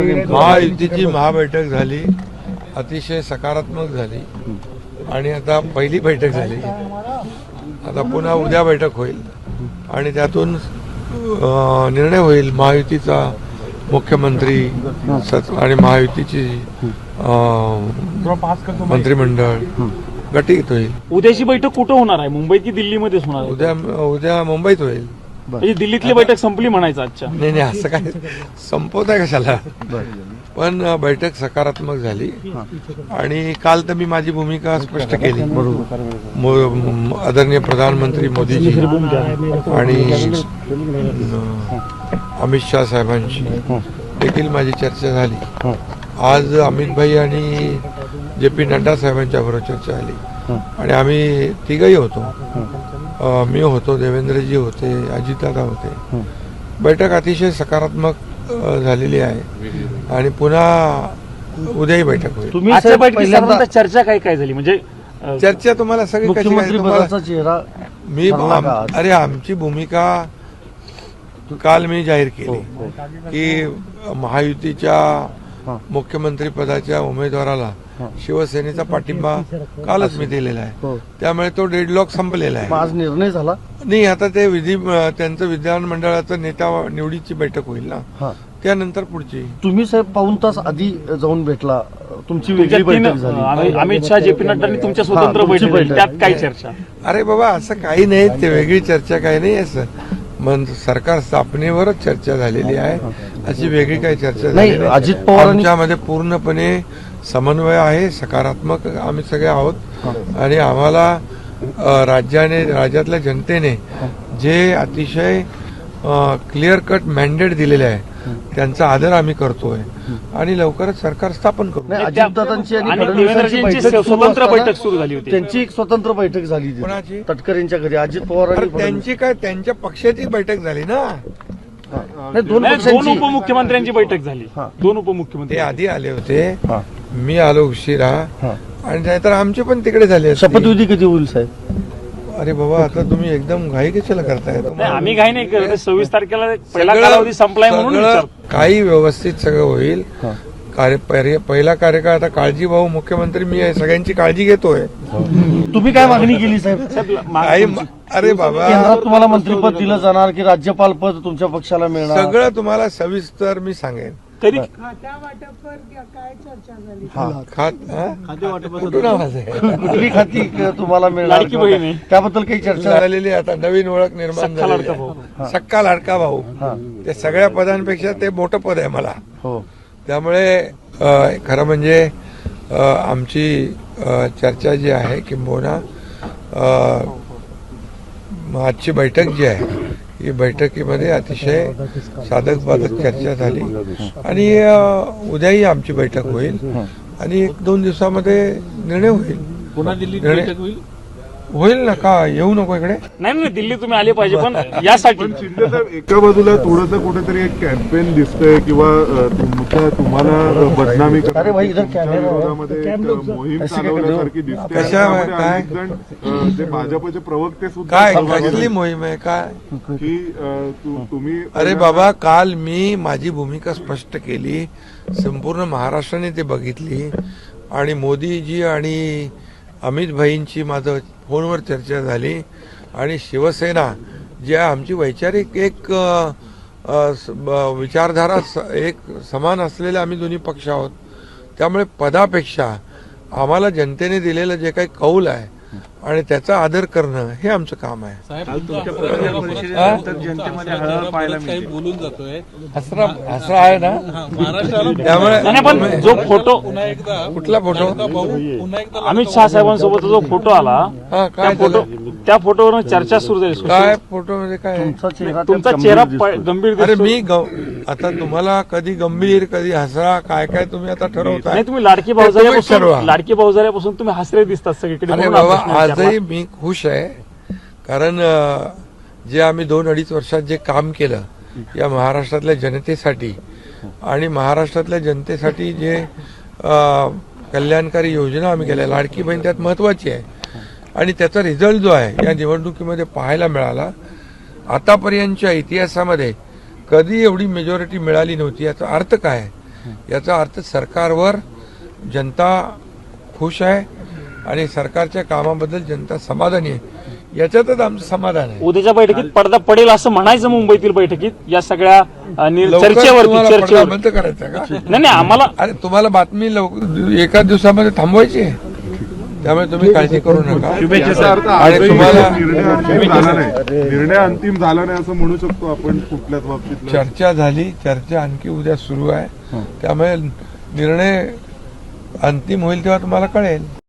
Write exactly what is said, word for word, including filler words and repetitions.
महायुतीची महाबैठक झाली, अतिशय सकारात्मक झाली आणि आता पहिली बैठक झाली. आता पुन्हा उद्या बैठक होईल आणि त्यातून निर्णय होईल महायुतीचा मुख्यमंत्री आणि महायुतीची मंत्रिमंडळ गटीत होईल. उद्याची बैठक कुठं होणार आहे, मुंबईत की दिल्लीमध्येच होणार आहे? उद्या उद्या मुंबईत होईल. म्हणजे दिल्लीतली बैठक संपली म्हणायचं आजच्या? नाही नाही, असं काय संपवत आहे कशाला. पण बैठक सकारात्मक झाली आणि काल तर मी माझी भूमिका स्पष्ट केली. आदरणीय प्रधानमंत्री मोदीजी आणि अमित शाह साहेबांशी देखील माझी चर्चा झाली. आज अमित भाई आणि जे पी नड्डा साहेबांच्या बरोबर चर्चा झाली आणि आम्ही तिघही होतो. मी होतो, देवेंद्रजी होते, अजितदादा होते. बैठक अतिशय सकारात्मक झालेली आहे आणि पुन्हा उद्याही बैठक होईल. तुम्ही आजच्या बैठकीत चर्चा काय काय झाली? म्हणजे चर्चा तुम्हाला सगळी कशी चेहरा मी अरे आमची भूमिका काल मी जाहीर केली की महायुतीच्या मुख्यमंत्री पदाच्या उमेदवाराला शिवसेनेचा पाठिंबा कालच मी दिलेला आहे. त्यामुळे तो डेडलॉक संपलेला आहे. आज निर्णय झाला नाही. आता ते विधी त्यांचं विधानमंडळाचं नेता निवडीची बैठक होईल ना, त्यानंतर पुढची. तुम्ही साहेब पाऊन तास आधी जाऊन भेटला, तुमची वेगळी बैठक झाली. अमित शहा, जे पी नड्डांनी तुमच्या स्वतंत्र बैठक झाली, त्यात काय चर्चा? अरे बाबा असं काही नाही, ते वेगळी चर्चा काही नाही. असं मन सरकार स्थापनेवरच चर्चा झालेली आहे, अशी वेगळी काही चर्चा नाही. झाली अजित पवार आमच्यामध्ये पूर्णपणे समन्वय आहे, सकारात्मक आम्ही सगळे आहोत आणि आम्हाला राज्याने राज्यातल्या जनतेने जे अतिशय क्लिअर कट मॅन्डेट दिलेले आहे त्यांचा आदर आम्ही करतोय आणि लवकरच सरकार स्थापन करू. अजितदादांची आणि फडणवीसांची स्वतंत्र बैठक सुरू झाली होती. त्यांची एक स्वतंत्र बैठक झाली कोणाची? तटकरेंच्या घरी. अजित पवार त्यांची काय, त्यांच्या पक्षाची बैठक झाली ना. दोन उपमुख्यमंत्र्यांची बैठक झाली. दोन उपमुख्यमंत्री ते आधी आले होते, मी आलो उशिरा आणि नाहीतर आमचे पण तिकडे झाले. शपथविधी कधी होईल साहेब? अरे बाबा आता तुम्ही एकदम घाई कशाला करताय? आम्ही घाई नाही करत. सव्वीस तारखेला पहिला कालावधी संपलाय म्हणून काही व्यवस्थित सगळं होईल. कार्य पहिला कार्यकाळ आता काळजी भाऊ मुख्यमंत्री मी आहे, सगळ्यांची काळजी घेतोय. तुम्ही काय मागणी केली साहेब? अरे बाबा केंद्रात तुम्हाला मंत्रिपद दिलं जाणार की राज्यपाल पद तुमच्या पक्षाला मिळणार? सगळं तुम्हाला सविस्तर मी सांगेन. तरी कुठली खाती तुम्हाला मिळणार त्याबद्दल काही चर्चा झालेली. आता नवीन ओळख निर्माण झाली, सक्का लाडका भाऊ. ते सगळ्या पदांपेक्षा ते मोठं पद आहे मला. त्यामुळे खरं म्हणजे आमची चर्चा जी आहे किंबहुना आजची बैठक जी आहे ही बैठकीमध्ये अतिशय साधक बाधक चर्चा झाली आणि उद्याही आमची बैठक होईल आणि एक दोन दिवसामध्ये निर्णय होईल. पुन्हा दिल्लीत बैठक होईल होईल ना. का येऊ नको इकडे? नाही नाही, दिल्ली तुम्ही आले पाहिजे. पण यासाठी शिंदे साहेब एका बाजूला थोडंसं कुठेतरी एक कॅम्पेन दिसतंय किंवा तुमच्या तुम्हाला बदनामी विरोधामध्ये मोहीम चालवण्यासारखी दिसते. काय जे भाजपचे प्रवक्ते सुद्धा काय कसली मोहीम आहे काय की तुम्ही? अरे बाबा काल मी माझी भूमिका स्पष्ट केली, संपूर्ण महाराष्ट्राने ते बघितली आणि मोदीजी आणि अमित भाईंची माझं फोनवर चर्चा झाली आणि शिवसेना जी आमची वैचारिक एक विचारधारा एक समान असलेले आम्ही दोन्ही पक्ष आहोत. त्यामुळे पदापेक्षा आम्हाला जनतेने दिलेलं जे काही कौल आहे आणि त्याचा आदर करणं हे आमचं काम आहे. हसरा आहे ना. त्यामुळे जो फोटो, कुठला फोटो? अमित शहा साहेबांसोबत जो फोटो आला त्या फोटो त्या फोटोवर चर्चा सुरू झाली. काय फोटो म्हणजे काय? तुमचा चेहरा गंभीर. अरे मी आता तुम्हाला कधी गंभीर कधी हसरा काय काय तुम्ही आता ठरवताय. नाही, तुम्ही लाडकी भाऊजाऱ्यापासून लाडकी भाऊजाऱ्यापासून तुम्ही हसरे दिसतात सगळीकडे. आजही मी खुश आहे कारण जे आम्ही दोन अडीच वर्षात जे काम केलं या महाराष्ट्रातल्या जनतेसाठी आणि महाराष्ट्रातल्या जनतेसाठी जे कल्याणकारी योजना आम्ही केल्या, लाडकी बहीण त्यात महत्वाची आहे आणि त्याचा रिझल्ट जो आहे या निवडणुकीमध्ये पाहायला मिळाला. आतापर्यंतच्या इतिहासामध्ये कधी एवढी मेजॉरिटी मिळाली नव्हती. याचा अर्थ काय? याचा अर्थ सरकारवर जनता खुश आहे आणि सरकारच्या कामाबद्दल जनता समाधानी आहे. याच्यातच आमचं समाधान आहे. उद्याच्या बैठकीत पडदा पडेल असं म्हणायचं मुंबईतील बैठकीत या सगळ्या अ, नि- लवकर चर्चेवरती तुम्हाला पडदा चर्चेवर बंद करायचा का? नाही नाही आम्हाला अरे तुम्हाला बातमी लवकर एका दिवसामध्ये थांबवायची आहे, त्यामुळे तुम्ही काळजी करू नका. याचा अर्थ आणि आजही तुम्हाला निर्णय अंतिम झाला नाही निर्णय अंतिम झाला नाही असं म्हणू शकतो आपण कुठल्याच बाबतीत. चर्चा झाली, चर्चा आणखी उद्या सुरू आहे, त्यामुळे निर्णय अंतिम होईल तेव्हा तुम्हाला कळेल.